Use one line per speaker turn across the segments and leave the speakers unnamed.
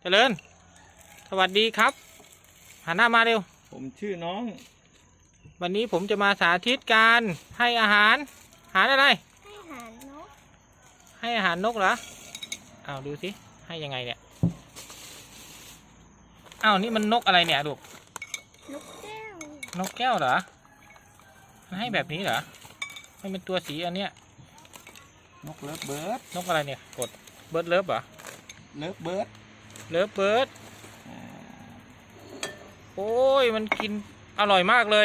เจริญสวัสดีครับหันหน้ามาเร็ว
ผมชื่อน้อง
วันนี้ผมจะมาสาธิตการให้อาหารอะไร
ให้อาหารนก
ให้อาหารนกเหรอเอาดูสิให้ยังไงเนี่ยเอานี่มันนกอะไรเนี่ยลูก
นกแก้
วนกแก้วเหรอมันให้แบบนี้เหรอไม่เป็นตัวสีอันเนี้ย
นกเลิฟเบิร์ด
นกอะไรเนี่ยกดเบิร์ดเลิฟเหรอ
เลิฟเบิร์ด
เลิฟเบิร์ดโอ้ยมันกินอร่อยมากเลย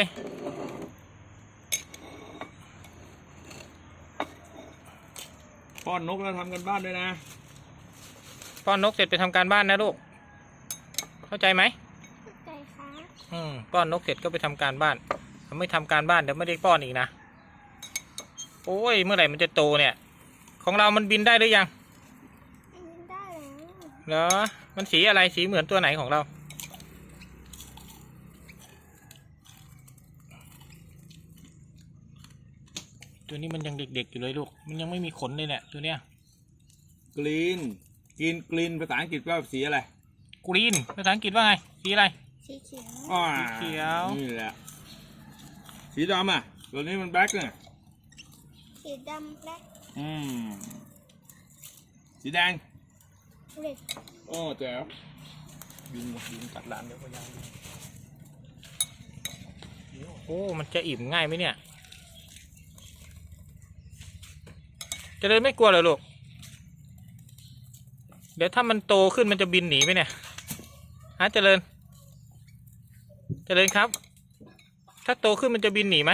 ป้อนนกแล้วทำกันบ้านด้วยนะ
ป้อนนกเสร็จไปทำการบ้านนะลูกเข้าใจไหม
เข้าใจค่ะ
ป้อนนกเสร็จก็ไปทำการบ้านถ้าไม่ทำการบ้านเดี๋ยวไม่ได้ป้อนอีกนะโอ้ยเมื่อไหร่มันจะโตเนี่ยของเรามันบินได้หรือยัง
บินได้
แล้วเหรอมันสีอะไรสีเหมือนตัวไหนของเราตัวนี้มันยังเด็กๆอยู่เลยลูกมันยังไม่มีขนเลยเนี่ยตัวเนี้ย
กรีนกรีนภาษาอังกฤษว่าสีอะไร
กรีนภาษาอังกฤษว่าไงสีอะไร
สีเขียว
สีเขียว
นี่แหละสีดำอ่ะตัวนี้มันแบล็คเนี่ย
สีดำแบล็ค
สีแดง
เรด
โอ้แจ๋ว
ยิงกัดหลานเดี๋ยวก็ยังโอ้มันจะอิ่มง่ายไหมเนี่ยเจริญไม่กลัวเหรอลูกเดี๋ยวถ้ามันโตขึ้นมันจะบินหนีไหมเนี่ยฮะเจริญครับถ้าโตขึ้นมันจะบินหนีไหม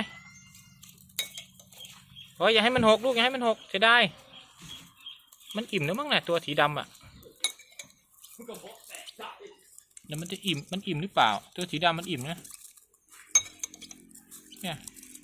โอ้ยอย่าให้มันหกลูกอย่าให้มันหกจะได้มันอิ่มแล้วมั้งเนี่ยตัวสีดำอ่ะเดี๋ยวมันจะอิ่มมันอิ่มหรือเปล่าตัวสีดำมันอิ่มนะเนี่ย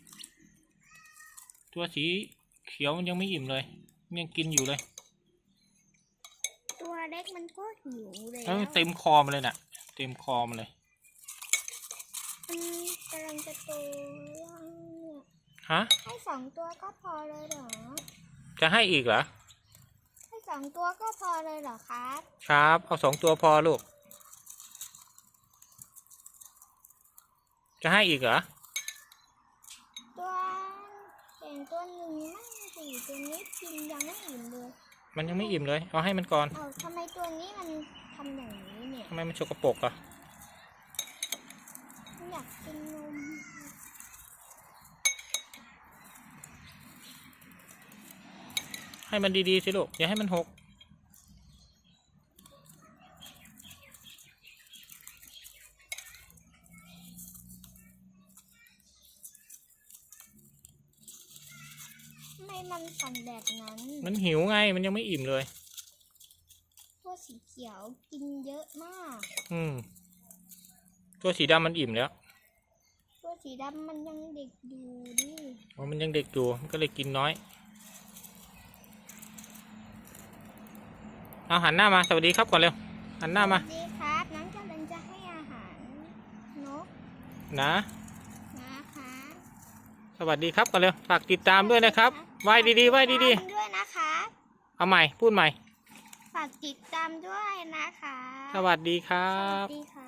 ตัวสีเขียวมันยังไม่อิ่มเลยยังกินอยู่เลย
ตัวเล็กมันก็หิวเลย
เต็มคอมันเลยน่ะเต็มคอมันเลย
มันกำลังจะโต
ฮะ
ให้2 ตัวก็พอเลยเหรอ
จะให้อีกเหรอ
ให้2 ตัวก็พอเลยเหรอครับ
ครับเอา2 ตัวพอลูกจะให้อีกเหรอ
ตัวอย่างตัวหนึ่งนั่งสี่ตัวนี้กินยังไม่อิ่มเลย
มันยังไม่อิ่มเลยเอาให้มันก่อน
ทำไมตัวนี้มันทำอย่างนี้เนี่ย
ทำไมมันสกปรกอ่ะ
อยากกินนม
ให้มันดีๆสิลูกอย่าให้มันหก
ไม่มันสั่นแบบนั้น
มันหิวไงมันยังไม่อิ่มเลย
ตัวสีเขียวกินเยอะมาก
ตัวสีดำมันอิ่มแล้ว
ตัวสีดำมันยังเด็กอยู่ดิ
มันยังเด็กอยู่มันก็เลยกินน้อยเอาหันหน้ามาสวัสดีครับก่อนเร็วหันหน้ามา
สวัสดีครับน้องกำลังจะให้อาหารนก
นะคะสวัสดีครับก่อนเร็วฝากติดตามด้วยนะครับไหว้ดีๆไหว้ดีๆ
ด้วยนะคะ
เอาใหม่พูดใหม่
ฝากติดตามด้วยนะคะ
สวัสดีครั
สวั
บ
สดีค่ะ